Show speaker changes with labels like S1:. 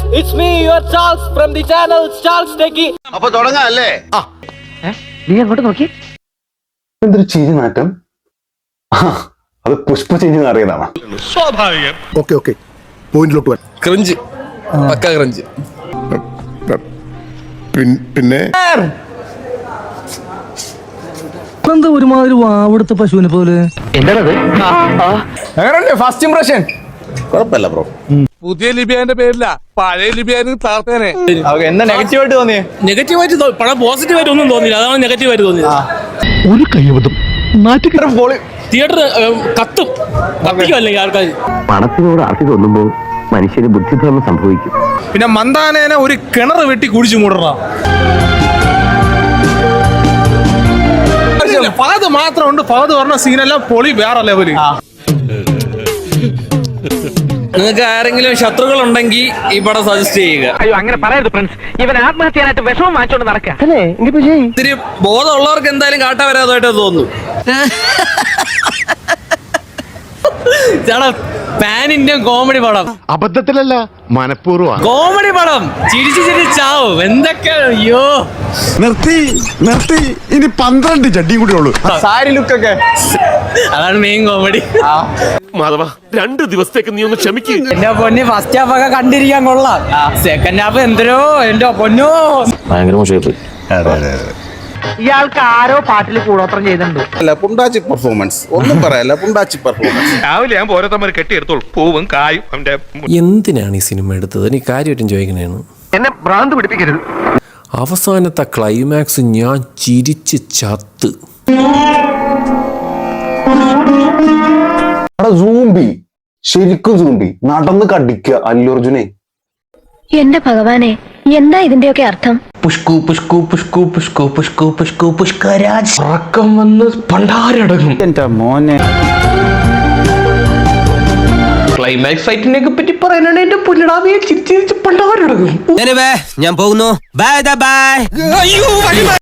S1: it's me, your Charles from the channel Charles Techie.
S2: അപ്പൊ തുടങ്ങാം അല്ലേ?
S1: നീ അങ്ങോട്ട് നോക്കി.
S3: എന്തൊരു ചിരി നാട്ടം. അത് പുഷ്പ ചിരി അറിയതാണ്.
S2: സ്വാഭാവികം.
S4: ഓക്കെ പോയിന്റിലോട്ട് വരാം.
S5: Crunch pakka crunch.
S4: പിന്നെ
S6: എന്താ ഒരുമാതിരി വാവെടുത്ത പശുവിനെ പോലെ.
S5: ഫസ്റ്റ് ഇംപ്രഷൻ
S2: കുഴപ്പമില്ല ബ്രോ.
S5: പുതിയ ലിബിയാന്റെ പേരില്ല, പഴയ ലിബിയാന് താർത്തേനെ.
S7: എന്താ നെഗറ്റീവായിട്ട് തോന്നിയേ?
S6: നെഗറ്റീവായിട്ട് പടം പോസിറ്റീവായിട്ട് ഒന്നും തോന്നിയില്ല. അതാണ് നെഗറ്റീവായിട്ട് തോന്നിയത്.
S4: ഒരു കൈവതം
S6: തിയേറ്റർ കത്തും കത്തിക്കും അല്ലെങ്കിൽ ആൾക്കാർ.
S8: പണത്തിനോട് ആർത്തി തോന്നുമ്പോൾ മനുഷ്യന് ബുദ്ധിഭ്രമം സംഭവിക്കും.
S7: പിന്നെ മന്ദാനേനെ ഒരു കിണർ വെട്ടി കുഴിച്ചു മൂടണം. ഫഹദ് മാത്രമുണ്ട്. ഫഹദ് പറഞ്ഞ സീനെല്ലാം പൊളി വേറെ ലെവല്.
S6: നിങ്ങൾക്ക് ആരെങ്കിലും ശത്രുക്കൾ ഉണ്ടെങ്കിൽ ഈ പടം സജസ്റ്റ് ചെയ്യുക.
S1: അയ്യോ അങ്ങനെ പറയരുത് ഫ്രണ്ട്സ്. ഇവൻ ആത്മഹത്യാനായിട്ട് വിഷമം വാങ്ങിച്ചോണ്ട് നടക്കുക.
S6: ഇത്തിരി ബോധമുള്ളവർക്ക് എന്തായാലും കാട്ടാ വരാതായിട്ട് തോന്നുന്നു. പാൻ ഇന്ത്യൻ കോമഡി പടം.
S4: അബദ്ധത്തിലല്ല, മനഃപൂർവ്വം.
S6: കോമഡി പടം ചിരിച്ച് ചിരിച്ചാവും. എന്തൊക്കെയാണ്. അയ്യോ
S4: നിർത്തി ഇനി 12 ചട്ടിയും കൂടി ഉള്ളൂ.
S7: സാരി ലുക്കൊക്കെ
S6: അതാണ് മെയിൻ കോമഡി.
S5: മാധവ 2 ദിവസത്തേക്ക് നീ ഒന്ന് ക്ഷമിക്ക്.
S6: എന്റെ പൊന്നി ഫസ്റ്റ് ഹാഫ് ഒക്കെ കണ്ടിരിക്കാൻ കൊള്ളാം. സെക്കൻഡ് ഹാഫ് എന്തരോ എന്റെ പൊന്നോ
S8: ഭയങ്കര മോശമായി.
S1: ഇയാൾക്ക് ആരോ പാട്ടിൽ കൂടോത്രം ചെയ്തിട്ടുണ്ട്.
S2: അല്ല പുണ്ടാച്ചി പെർഫോമൻസ് ഒന്നും പറയല്ല. പുണ്ടാച്ചി പെർഫോമൻസ്.
S5: രാവിലെ ഞാൻ ഓരോരുത്തന്മാർ കെട്ടിയെടുത്തോളൂ. പൂവും കായും അവന്റെ.
S9: എന്തിനാണ് ഈ സിനിമ എടുത്തത്? എനിക്ക് കാര്യമായിട്ടും ചോദിക്കണേന്ന്.
S1: എന്നെ ഭ്രാന്ത് പിടിപ്പിക്കരുത്.
S9: അവസാനത്തെ ക്ലൈമാക്സ് ഞാൻ ചിരിച്ച് ചത്ത്.
S3: സൂമ്പി, ശരിക്കും സൂമ്പി നടന്ന് കടിക്കുക അല്ലു അർജുനെ.
S10: എന്റെ ഭഗവാനെ, എന്താ ഇതിന്റെയൊക്കെ അർത്ഥം?
S8: പുഷ്കു പുഷ്കു പുഷ്കു പുഷ്കു പുഷ്കു പുഷ്കു പുഷ്കരാജ്
S6: ഉറക്കം വന്ന് പണ്ടാരടങ്ങും.
S7: എന്റെ മോനെ
S6: ക്ലൈമാക്സ് ഫൈറ്റിനെ പറ്റി പറയാനാണ് എന്റെ പുല്ലടാവിയെ ചിരിച്ച് പണ്ടാരടങ്ങും.
S1: ഞാൻ പോകുന്നു. Bye by.